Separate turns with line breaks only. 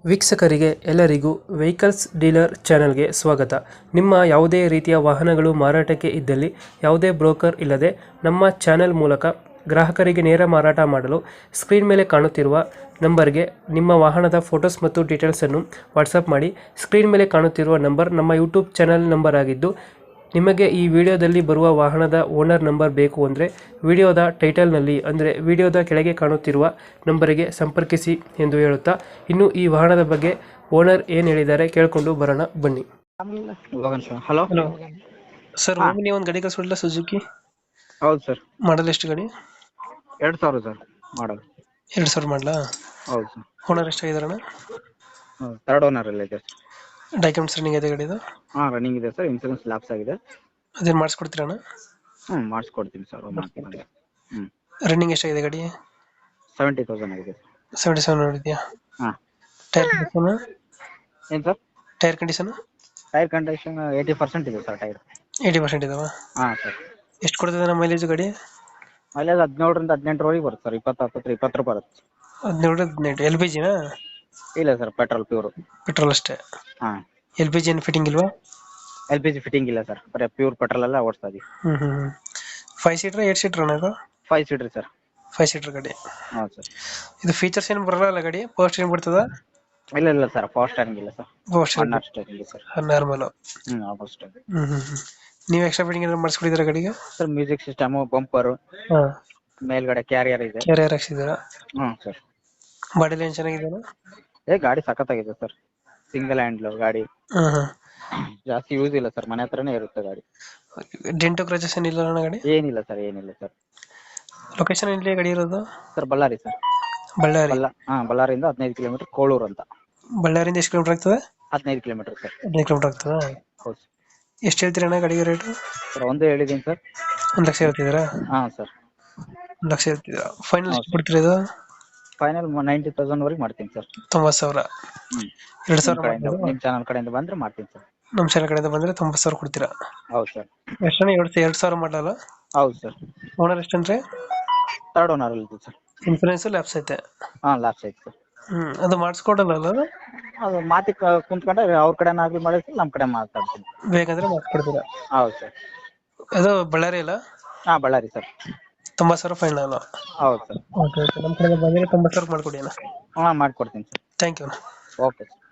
ವೀಕ್ಷಕರಿಗೆ ಎಲ್ಲರಿಗೂ vehicles dealer ಚಾನೆಲ್ಗೆ ಸ್ವಾಗತ. ನಿಮ್ಮ ಯಾವುದೇ ರೀತಿಯ ವಾಹನಗಳು ಮಾರಾಟಕ್ಕೆ ಇದ್ದಲ್ಲಿ ಯಾವುದೇ ಬ್ರೋಕರ್ ಇಲ್ಲದೆ ನಮ್ಮ ಚಾನೆಲ್ ಮೂಲಕ ಗ್ರಾಹಕರಿಗೆ ನೇರ ಮಾರಾಟ ಮಾಡಲು ಸ್ಕ್ರೀನ್ ಮೇಲೆ ಕಾಣುತ್ತಿರುವ ನಂಬರ್ಗೆ ನಿಮ್ಮ ವಾಹನದ ಫೋಟೋಸ್ ಮತ್ತು ಡೀಟೇಲ್ಸನ್ನು ವಾಟ್ಸಪ್ ಮಾಡಿ. ಸ್ಕ್ರೀನ್ ಮೇಲೆ ಕಾಣುತ್ತಿರುವ ನಂಬರ್ ನಮ್ಮ ಯೂಟ್ಯೂಬ್ ಚಾನೆಲ್ ನಂಬರ್ ಆಗಿದ್ದು, ನಿಮಗೆ ಈ ವಿಡಿಯೋದಲ್ಲಿ ಬರುವ ವಾಹನದ ಓನರ್ ನಂಬರ್ ಬೇಕು ಅಂದರೆ ವಿಡಿಯೋದ ಟೈಟಲ್ನಲ್ಲಿ ಅಂದರೆ ವಿಡಿಯೋದ ಕೆಳಗೆ ಕಾಣುತ್ತಿರುವ ನಂಬರಿಗೆ ಸಂಪರ್ಕಿಸಿ ಎಂದು ಹೇಳುತ್ತಾ, ಇನ್ನು ಈ ವಾಹನದ ಬಗ್ಗೆ ಓನರ್ ಏನು ಹೇಳಿದ್ದಾರೆ ಕೇಳಿಕೊಂಡು ಬರೋಣ ಬನ್ನಿ.
ಹಲೋ
ಹಲೋ ಸರ್, ಒಮ್ಮೆ ಒಂದು ಗಾಡಿ ಕಳಿಸ್ಬಿಡಲ್ಲ ಸುಜುಕಿ
ಹೌದು ಸರ್.
ಮಾಡಲ್ ಎಷ್ಟು ಗಾಡಿ?
2000 ಸರ್ ಮಾಡಲ್.
2000 ಮಾಡಲಾ?
ಹೌದು ಸರ್.
ಓನರ್ ಎಷ್ಟಾಗಿದಾರಣ?
ಥರ್ಡ್ ಓನರ್ ಅಲ್ಲಿ ಇದೆ.
ಡಾಕ್ಯುಮೆಂಟ್ಸ್ ರನ್ನಿಂಗ್ ಇದೆ ಗಾಡಿದು?
ರನ್ನಿಂಗ್ ಇದೆ ಸರ್. ಇನ್ಸೂರೆನ್ಸ್ ಲ್ಯಾಪ್ಸ್ ಆಗಿದೆ.
ಅದೇನು ಮಾಡಿಸ್ಕೊಡ್ತೀರಣ್ಣ?
ಮಾಡಿಸ್ಕೊಡ್ತೀನಿ ಸರ್.
ರನ್ನಿಂಗ್ ಎಷ್ಟಾಗಿದೆ ಗಾಡಿ?
70,000 ಆಗಿದೆ.
77 ನೋಡಿದ್ಯಾ?
ಹಾಂ.
Tyre condition?
ಏನು sir?
Tyre condition?
Tyre condition 80% ಇದೆ ಸರ್ ಟೈರ್.
80% ಇದಾವ?
ಹಾಂ ಸರ್.
ಎಷ್ಟು ಕೊಡ್ತದೆ ನಮ್ಮ ಮೈಲೇಜ್ ಗಾಡಿ?
ಮೈಲೇಜ್ 17ರಿಂದ 18 ಬರುತ್ತೆ ಸರ್. 20 ಬರುತ್ತೆ.
17-18 ಎಲ್ ಪಿ ಜಿನಾ?
ಇಲ್ಲ ಸರ್, ಪೆಟ್ರೋಲ್ ಪ್ಯೂರ್.
ಪೆಟ್ರೋಲ್ ಅಷ್ಟೇ?
ಹಾಂ.
ಎಲ್ ಪಿ ಜಿ ಏನು ಫಿಟ್ಟಿಂಗ್ ಇಲ್ವಾ?
LPG ಫಿಟ್ಟಿಂಗ್ ಇಲ್ಲ ಸರ್, ಬರೀ ಪ್ಯೂರ್ ಪೆಟ್ರೋಲ್ ಎಲ್ಲ ಓಡಿಸ್ತಾ ಇದೀವಿ.
5 ಸೀಟರ್ 8 ಸೀಟರ್ ಅಣ್ಣ ಇದು?
5 ಸೀಟರ್ ಸರ್.
5 ಸೀಟರ್ ಗಾಡಿ.
ಹೌದು ಸರ್.
ಇದು ಫೀಚರ್ಸ್ ಏನು ಬರಲ್ಲ ಗಾಡಿ? ಪವರ್ ಸ್ಟೀರಿಂಗ್ ಬರ್ತದ?
ಇಲ್ಲ ಸರ್, ಪವರ್ ಸ್ಟೇರಿಂಗ್ ಇಲ್ಲ ಸರ್.
ಪವರ್ ಸ್ಟೀರಿಂಗ್
ಸ್ಟೇರಿಂಗ್ ಇಲ್ಲ ಸರ್.
ನಾರ್ಮಲ್?
ಅಷ್ಟೇ.
ನೀವು ಎಕ್ಸ್ಟ್ರಾ ಫಿಟ್ಟಿಂಗ್ ಏನಾದ್ರು ಮಾಡಿಸ್ಕೊಡಿದ್ದೀರಾ ಗಾಡಿಗೆ?
ಸರ್, ಮ್ಯೂಸಿಕ್ ಸಿಸ್ಟಮ್, ಬಂಪರ್,
ಹಾಂ,
ಮೇಲ್ಗಡೆ ಕ್ಯಾರಿಯರ್ ಇದೆ.
ಕ್ಯಾರಿಯರ್ ಹಾಕ್ಸಿದ್ದೀರಾ?
ಸರ್.
ಬಾಡಿ ಲೈನ್ ಚೆನ್ನಾಗಿದೆಯಾ?
ಗಾಡಿ ಸಖತ್ತಾಗಿದೆ ಸರ್. ಸಿಂಗಲ್ ಹ್ಯಾಂಡ್ಲ್ ಗಾಡಿ. ಜಾಸ್ತಿ ಯೂಸ್ ಇಲ್ಲ ಸರ್, ಮನೆ ಹತ್ರನೇ ಇರುತ್ತೆ ಗಾಡಿ.
ಡೆಂಟೋ ಕ್ರಚಸ್ ಏನಿಲ್ಲ ಅಣ್ಣ ಗಾಡಿ?
ಏನಿಲ್ಲ ಸರ್.
ಲೊಕೇಶನ್ ಎಲ್ಲಿ ಗಾಡಿ ಇರೋದು?
Sir, Bellary sir.
ಬಳ್ಳಾರಿ?
ಬಳ್ಳಾರಿಯಿಂದ 15 ಕಿಲೋಮೀಟರ್, ಕೋಳೂರು ಅಂತ.
ಬಳ್ಳಾರಿಯಿಂದ ಎಷ್ಟು ಕಿಲೋಮೀಟರ್ ಆಗ್ತದೆ?
15 ಕಿಲೋಮೀಟರ್ ಸರ್.
15 ಕಿಲೋಮೀಟರ್ ಆಗ್ತದಾ?
ಹೌದು
ಎಷ್ಟು ಹೇಳ್ತೀರಿ ಅಣ್ಣ ಗಾಡಿಗೆ ರೇಟು?
ಸರ್, ಒಂದು ಹೇಳಿದ್ದೀನಿ ಸರ್.
1 ಲಕ್ಷ ಹೇಳ್ತಿದ್ದೀರಾ?
ಸರ್.
1 ಲಕ್ಷ ಹೇಳ್ತಿದ್ದೀರಾ? ಫೈನಲ್ ಎಷ್ಟು ಬಿಡ್ತೀರಾ ಇದು?
ಫೈನಲ್ 90,000 ವರೆಗೆ ಮಾಡ್ತೀನಿ ಸರ್.
90,000? 2,000
ನಿಮ್ಮ ಚಾನಲ್ ಕಡೆಯಿಂದ ಬಂದ್ರೆ ಮಾಡ್ತೀನಿ ಸರ್.
ನಮ್ಮ ಚಾನಲ್ ಕಡೆಯಿಂದ ಬಂದ್ರೆ 90,000 ಕೊಡ್ತೀರಾ?
ಹೌದು ಸರ್.
ಎಷ್ಟಣ್ಣ? 2,000 ಮಾಡಲ್ಲ?
ಹೌದು ಸರ್.
ಓನರ್ ಎಷ್ಟಂದ್ರೆ?
ಥರ್ಡ್ ಓನರ್ ಅಲ್ಲಿ ಸರ್.
ಇನ್ಸೂರೆನ್ಸ್ ಲ್ಯಾಪ್ಸ್ ಐತೆ?
ಲ್ಯಾಪ್ಸ್ ಐತೆ ಸರ್.
ಅದು ಮಾಡಿಸ್ಕೊಡಲ್ಲ ಅದು?
ಅದು ಮಾತಿ ಕುಂತ್ಕೊಂಡ್ರೆ ಅವ್ರ ಕಡೆ ಆಗ್ಲಿ ಮಾಡಿರ್ತೀನಿ, ನಮ್ಮ ಕಡೆ ಮಾತಾಡ್ತೀನಿ.
ಬೇಕಂದ್ರೆ ಮಾಡಿಸ್ಕೊಡ್ತೀರಾ?
ಹೌದು ಸರ್.
ಅದು ಬಳ್ಳಾರಿ ಅಲ್ಲ?
ಬಳ್ಳಾರಿ ಸರ್.
90,000 ಫೈನಲ್?
ಹೌದು ಸರ್.
ಓಕೆ, ನಮ್ಮ ಕಡೆ ಬಂದರೆ 90,000 ಮಾಡ್ಕೊಡಿ ಅಣ್ಣ.
ಮಾಡ್ಕೊಡ್ತೀನಿ ಸರ್.
ಥ್ಯಾಂಕ್ ಯು ಅಣ್ಣ.
Okay sir.